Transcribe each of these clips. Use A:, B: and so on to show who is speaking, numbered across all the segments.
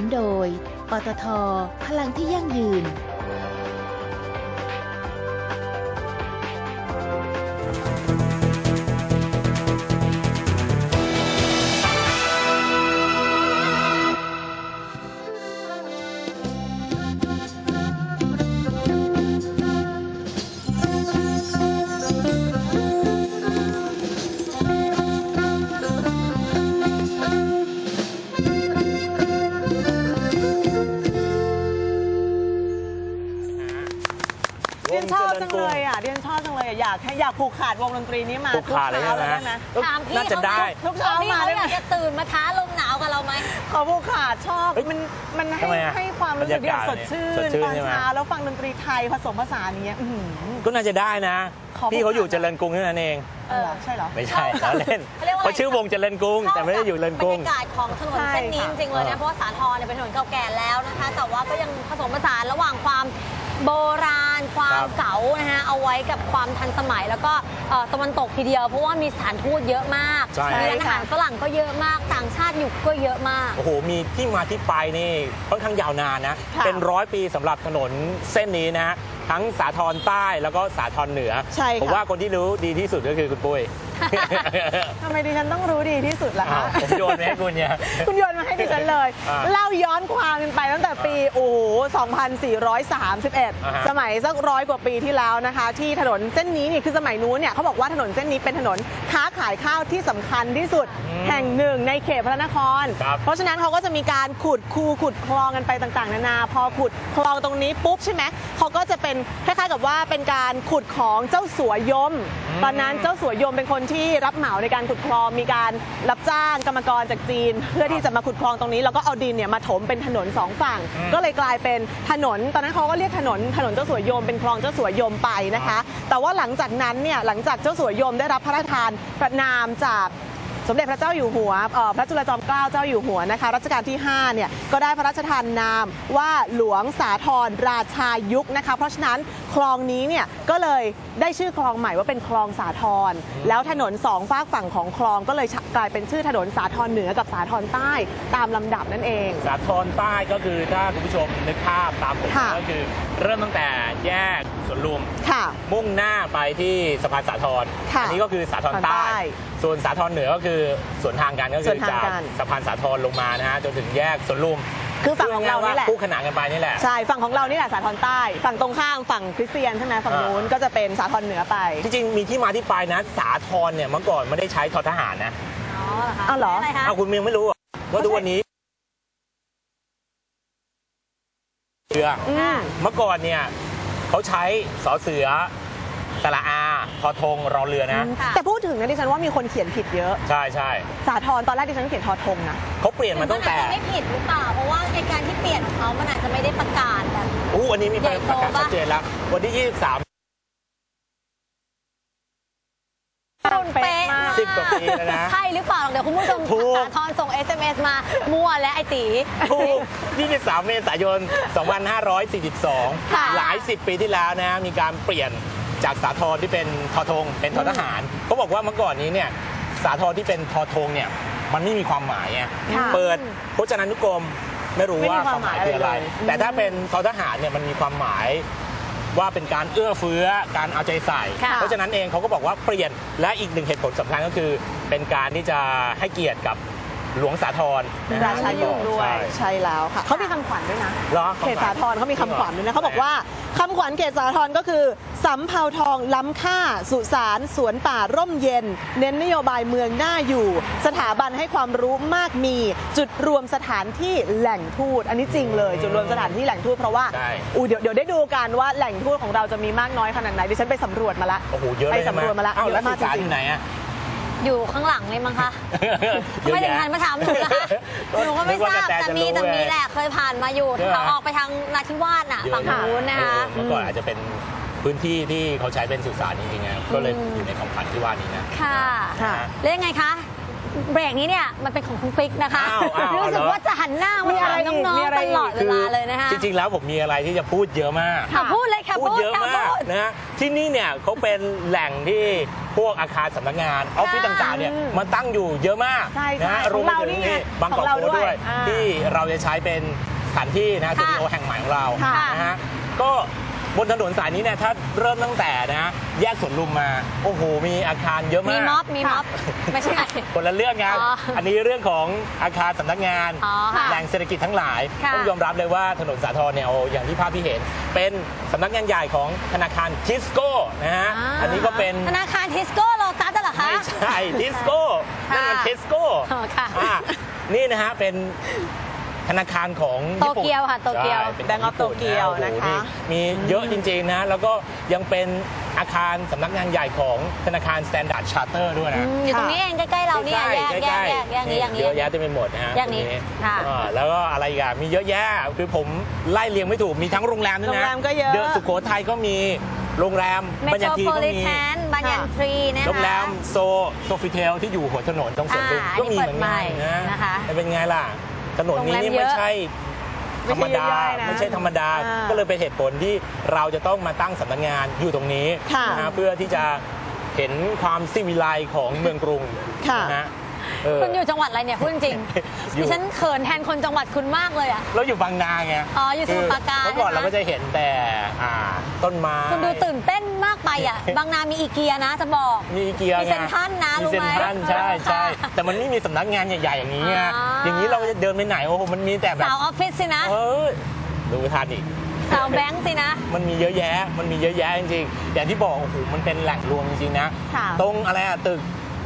A: โดยปตท.พลังที่ยั่งยืน
B: เรียนชอบจังเลยอ่ะอยากผูกขาดวงดนตรีนี้มาทุกเช้าเลยได้ไหม
C: ถามพี่
B: น่าจะได้ทุกเช้ามา
C: เขาอยากจะตื่นมาท้าลมหนาวกับเราไหม
B: ขอผูกขาดชอบมันให้ความรู้สึกที่สดชื่นตอนเช้าแล้วฟังดนตรีไทยผสมผสานอย่างเงี้ย
D: ก็น่าจะได้นะพี่เขาอยู่เจริญกรุงนั่นเอง
B: ใช่เหรอ
D: ไม่ใช่แล้วเล่นเขาชื่อวงเจริญกรุงแต่ไม่ได้อยู่เจริญกรุง
C: บรรยากาศของถนนเส้นนี้จริงๆเลยนะเพราะว่าสาทรเป็นถนนเก่าแก่แล้วนะคะแต่ว่าก็ยังผสมผสานระหว่างความโบราณความเก๋านะฮะเอาไว้กับความทันสมัยแล้วก็ตะวันตกทีเดียวเพราะว่ามีสถานทูตเยอะมากมีร้านอาหารฝรั่งก็เยอะมากต่างชาติอยู่ก็เยอะมาก
D: โอ้โหมีที่มาที่ไปนี่ค่อนข้างยาวนานนะเป็น100 ปีสำหรับถนนเส้นนี้นะทั้งสาทรใต้แล้วก็สาทรเหนือผมว่าคนที่รู้ดีที่สุดก็คือคุณปุ้ย
B: ทำไมดิฉันต้องรู้ดีที่สุดล่ะคะ
D: ผมโยนมาให้คุณเนี่ย
B: คุณโยนมาให้ดิฉันเลยเล่าย้อนความกันไปตั้งแต่ปี2431สมัยสัก100 กว่าปีที่แล้วนะคะที่ถนนเส้นนี้นี่คือสมัยนู้นเนี่ยเขาบอกว่าถนนเส้นนี้เป็นถนนค้าขายข้าวที่สำคัญที่สุดแห่งหนึ่งในเขตพระนครเพราะฉะนั้นเขาก็จะมีการขุดคูขุดคลองกันไปต่างๆนานาพอขุดคลองตรงนี้ปุ๊บใช่ไหมเขาก็จะเป็นคล้ายๆกับว่าเป็นการขุดของเจ้าสัวยมตอนนั้นเจ้าสัวยมเป็นคนที่รับเหมาในการขุดคลองมีการรับจ้างกรรมกรจากจีนเพื่อที่จะมาขุดคลองตรงนี้แล้วก็เอาดินเนี่ยมาถมเป็นถนน2 ฝั่งก็เลยกลายเป็นถนนตอนนั้นเขาก็เรียกถนนเจ้าสัวยมเป็นคลองเจ้าสัวยมไปนะคะแต่ว่าหลังจากนั้นเนี่ยหลังจากเจ้าสัวยมได้รับพระราชทานพระนามจากสมเด็จพระเจ้าอยู่หัวพระจุลจอมเกล้าเจ้าอยู่หัวนะคะรัชกาลที่5เนี่ยก็ได้พระราชทานนามว่าหลวงสาธรราชายุคนะคะเพราะฉะนั้นคลองนี้เนี่ยก็เลยได้ชื่อคลองใหม่ว่าเป็นคลองสาธรแล้วถนน2 ฝากฝั่งของคลองก็เลยกลายเป็นชื่อถนนสาธรเหนือกับสาธรใต้ตามลำดับนั่นเอง
D: สาธรใต้ก็คือถ้าคุณผู้ชมนึกภาพตามผมก็คือเริ่มตั้งแต่แยกสวนลุมมุ่งหน้าไปที่สะพานสาธรอันนี้ก็คือสาธรใต้ส่วนสาธรเหนือก็คือสวนทางกันก็คือจากสะพานสาธรลงมานะฮะจนถึงแยกสวนลุม
B: คือฝั่งของเรานี่แหละ
D: คู่ขนานกันไปนี่แหละ
B: ใช่ฝั่งของเรานี่แหละสาธรใต้ฝั่งตรงข้ามฝั่งคริสเตียนใช่ไหมฝั่งนู้นก็จะเป็นสาธรเหนือไป
D: จริงๆมีที่มาที่ไปนะสาธรเนี่ยเมื่อก่อนไม่ได้ใช้ททหารนะ
B: อ๋อเหรอ
D: คุณยังไม่รู้ว่าทุกวันนี้เรือเมื่อก่อนเนี่ยเขาใช้สอเสือสระอาทอธงรอเรือนะ
B: แต่พูดถึงนะดิฉันว่ามีคนเขียนผิดเยอะ
D: ใช่ใช่
B: สาธรตอนแรกดิฉันเขียนทอธงนะ
D: เขาเปลี่ยนมาตั้งแต่
C: ไม่ผิดหรือเปล่าเพราะว่าในการที่เปลี่ยนของเขามันอาจจะไม่ได้ประกาศแบบ
D: อันนี้มีประกาศชัดเจนแล้ววันที่23
C: เป๊ะ
D: 10 กว่าปีแล้วนะ
C: ใช่หรือเปล่าเดี๋ยวคุณผู้ชมสาธรส่ง SMS มามั่วและไอตี
D: ถูก23 เมษายน 2542หลาย10 ปีที่แล้วนะมีการเปลี่ยนจากสาธรที่เป็นทอธงเป็นททหารเขาบอกว่าเมื่อก่อนนี้เนี่ยสาธรที่เป็นทอธงเนี่ยมันไม่มีความหมายเปิดพจนานุกรมไม่รู้ว่าความหมายคืออะไรแต่ถ้าเป็นททหารเนี่ยมันมีความหมายว่าเป็นการเอื้อเฟื้อการเอาใจใส่เพราะฉะนั้นเองเขาก็บอกว่าเปลี่ยนและอีกหนึ่งเหตุผลสำคัญก็คือเป็นการที่จะให้เกียรติกับหลวงสาธร
B: ราชายุคด้วยใช่แล้วค่ะเขามีคำขวัญด้วยนะเขตสาธรเขามีคำขวัญด้วยนะเขาบอกว่าคำขวัญเขตสาธรก็คือสำเภาทองล้ำค่าสุสานสวนป่าร่มเย็นเน้นนโยบายเมืองน่าอยู่สถาบันให้ความรู้มากมีจุดรวมสถานที่แหล่งทูตอันนี้จริงเลยจุดรวมสถานที่แหล่งทูตเพราะว่าเดี๋ยวได้ดูกันว่าแหล่งทูตของเราจะมีมากน้อยขนาดไหนดิฉันไปสำรวจมาแล้วไปสำรวจมาแล้ว
D: แล้วสถานที่ไหนอะ
C: อยู่ข้างหลังเลยมั้งคะไม่ได้ทันมาถามหนูนะคะหนูก็ไม่ทราบแต่มีแหละเคยผ่านมาอยู่เขาออกไปทางนาทิวาสน่ะฝั่งนู้นนะคะ
D: เมื่อก่อนอาจจะเป็นพื้นที่ที่เขาใช้เป็นสุสานจริงๆก็เลยอยู่ในคำขวัญที่ว่านี้นะ
C: ค่ะแล้วยังไงคะเบรกนี้เนี่ยมันเป็นของคุณปิ๊กนะคะรู้สึกว่าจะหันหน้ามาถามน้องๆตลอดเวลาเลยนะคะ
D: จริงๆแล้วผมมีอะไรที่จะพูดเยอะมาก
C: พูดเลยค่ะ
D: พูดเยอะมากนะฮะที่นี่เนี่ยเขาเป็นแหล่งที่พวกอาคารสำนักงานออฟฟิศต่างๆเนี่ยมันตั้งอยู่เยอะมาก
B: ใช่
D: นะฮะรวมไปถึงนี่บางกอกโพด้วยที่เราจะใช้เป็นสถานที่นะสตูดิโอแห่งใหม่ของเรานะฮะก็บนถนนสายนี้เนี่ยถ้าเริ่มตั้งแต่นะแยกสวนลุมมาโอ้โหมีอาคารเยอะมาก
C: มีม็อบไม่ใช่
D: คนละเรื่องครับอันนี้เรื่องของอาคารสำนักงานแหล่งเศรษฐกิจทั้งหลายต้องยอมรับเลยว่าถนนสาทรเนี่ยอย่างที่ภาพที่เห็นเป็นสำนักงานใหญ่ของธนาคารทิสโก้นะฮะอันนี้ก็เป็น
C: ธนาคารทิสโก้โลตัสเหรอคะ
D: ไม่ใช่ทิสโก้นั่นมันทิสโก้นี่นะฮะเป็นธนาคารของ
C: โตเกียวค่ะโตเกียว
B: แบงก์ออฟโตเกียวนะคะ
D: มีเยอะจริงๆนะแล้วก็ยังเป็นอาคารสำนักงานใหญ่ของธนาคาร Standard Charter ด้วยนะ
C: อยู่ตรงนี้เองใกล้ๆเราเนี่ยแยกนี้
D: เยอะแยะเต็มไปหมดนะฮะ
C: อย่างนี้
D: แล้วก็อะไรอีกมีเยอะแยะคือผมไล่เรียงไม่ถูกมีทั้งโรงแรมด้วยนะ
B: โรงแรมก็เยอะ
D: เดอะสุโขทัยก็มีโรงแรมบัญญัติก็มี
C: บัญญัตินะคะ
D: โรงแรมโซฟิเทลที่อยู่หัวถนนตรงสวนลุมก็มีเหมือนกันนะเป็นไงล่ะถนนนี้นี่ไม่ใช่ธรรมดาไม่ใช่ธรรมดาก็เลยเป็นเหตุผลที่เราจะต้องมาตั้งสำนักงานอยู่ตรงนี้นะเพื่อที่จะเห็นความสิวิไลของเมืองกรุงนะ
C: คุณอยู่จังหวัดอะไรเนี่ยพูดจริงดิฉันเขินแทนคนจังหวัดคุณมากเลยอ่ะ
D: เราอยู่บางนาไง
C: อยู่สมุทรปราการ
D: เมื่อก่อนเราก็จะเห็นแต่ต้นไม้
C: คุณดูตื่นเต้นมากไปอ่ะบางนามีอีเกียนะจะบอก
D: มีอีเกีย
C: มีเซ็นทรัลนะรู้ไหม
D: ใช่แต่มันไม่มีสำนักงานใหญ่ๆอย่างนี้อย่างนี้เราจะเดินไปไหนโอ้โหมันมีแต่แบบ
C: สาวออฟฟิศสินะ
D: ดูทันอีก
C: สาวแบงค์สินะ
D: มันมีเยอะแยะจริงๆอย่างที่บอกโอ้โหมันเป็นแหล่งรวมจริงๆนะตรงอะไรตึก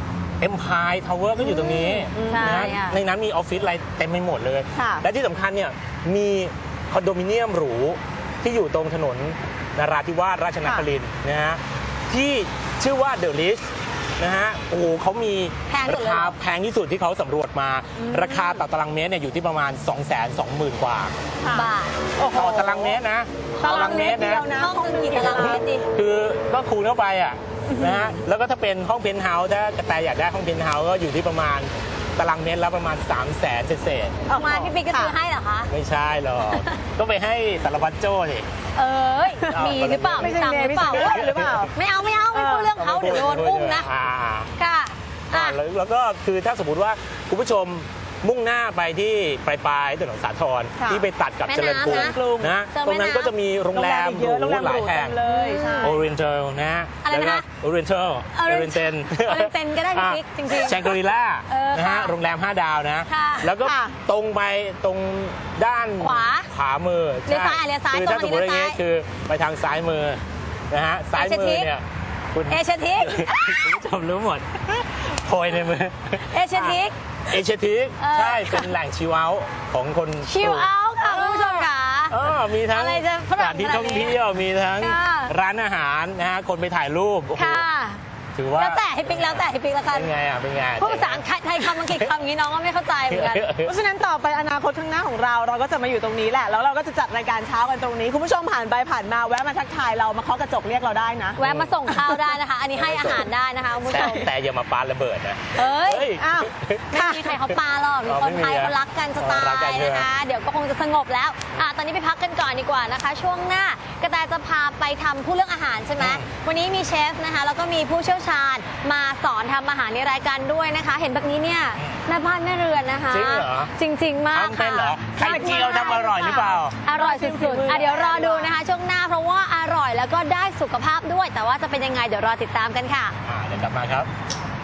D: Empire Tower ก็อยู่ตรงนี้นะในนั้นมีออฟฟิศอะไรเต็มไปหมดเลยและที่สำคัญเนี่ยมีคอนโดมิเนียมหรูที่อยู่ตรงถนนนราธิวาสราชนครินทร์นะฮะที่ชื่อว่าเดอะลิชนะฮะโอ้โหเขามีราคาแพงที่สุดที่เขาสำรวจมาราคาต่อตารางเมตรเนี่ยอยู่ที่ประมาณ 220,000 กว่า
C: บาท
D: ต่อตารางเมตรนะ
B: ตารางเมตรนะ
C: ห้องนึงกี่ตารางเมตรดิ
D: คือก็คูณเข้าไปอ่ะนะฮะแล้วก็ถ้าเป็นห้องเพนท์เฮาส์ถ้ากระแตอยากได้ห้องเพนท์เฮาส์ก็อยู่ที่ประมาณตารางเมตรละประมาณ 300,000 เศษ
C: ๆมาพี่ปิ๊กก็ซื้อให้เหรอคะ
D: ไม่ใช่หรอกก็ไปให้สารวัตรโจ้สิ
C: มีหรือเปล่า
B: ไม่ใช่หรือเปล่า
C: ไม่เอาไม่พูดเรื่องเขาเดี๋ยวโดนอุ้มนะค่ะ
D: แล้วก็คือถ้าสมมติว่าคุณผู้ชมมุ่งหน้าไปที่ปลายถนนสาทรที่ไปตัดกับเจริญกรุงนะตรงนั้นก็จะมีโรงแรมหรูหลายแห่งโอเรนเทลนะแล้วก็โอเรนเทน
C: ก็ได้พี่จริง
D: ๆแชงกรีล่านะฮะโรงแรม5 ดาวนะแล้วก็ตรงไปตรงด้านขวามือ
C: เลี้ยวซ้าย
D: คือถ้าสมมติอย่างนี้คือไปทางซ้ายมือนะฮะซ้ายมือเนี่ย
C: คุณเอเชียทิก
D: คุณผู้ชมรู้หมดโพยในมือ
C: เอเชียทิก
D: ใช่เป็นแหล่งชิลเอาท์ของคน
C: ชิลเอาท์ค่ะคุณผู้ชมค่ะ
D: มีทั้งสถานที่ท่องเที่ยวมีทั้งร้านอาหารนะฮะคนไปถ่ายรูปถือว่า
C: แล้วแต่ให้ปิ๊กแล้วกัน
D: เป็นไง
C: พูดภาษาไทยคำอังกฤษคำนี้น้องก็ไม่เข้าใจเหมือนกัน
B: เพราะฉะนั้นต่อไปอนาคตข้างหน้าของเราก็จะมาอยู่ตรงนี้แหละแล้วเราก็จะจัดรายการเช้ากันตรงนี้คุณผู้ชมผ่านไปผ่านมาแวะมาทักทายเรามาเคาะกระจกเรียกเราได้นะ
C: แวะมาส่งข้าวได้นะคะอันนี้ให้อาหารได้นะคะคุณผู้ชม
D: แต่อย่ามาปาระเบิดนะ
C: ไม่มีใครเขาปาหรอกมีคนไทยเขารักกันจะตายนะคะเดี๋ยวก็คงจะสงบแล้วตอนนี้ไปพักกันก่อนดีกว่านะคะช่วงหน้ากระแตจะพาไปทำพูดเรื่องอาหารใช่ไหมวันนี้มีเชฟนะคะแล้วก็มีผู้เชี่ยวชาญมาสอนทำอาหารในรายการด้วยนะคะเห็นแบบนี้เนี่ยแม่บ้านแม่เรือนนะคะ
D: จริงเหรอ
C: จริงมาก
D: ค่ะไข่เจียวทำอร่อยหรือเปล่า
C: อร่อยสุดๆเดี๋ยวรอดูนะคะช่วงหน้าเพราะว่าอร่อยแล้วก็ได้สุขภาพด้วยแต่ว่าจะเป็นยังไงเดี๋ยวรอติดตามกันค่ะ
D: เดี๋ยวกลับมาครับ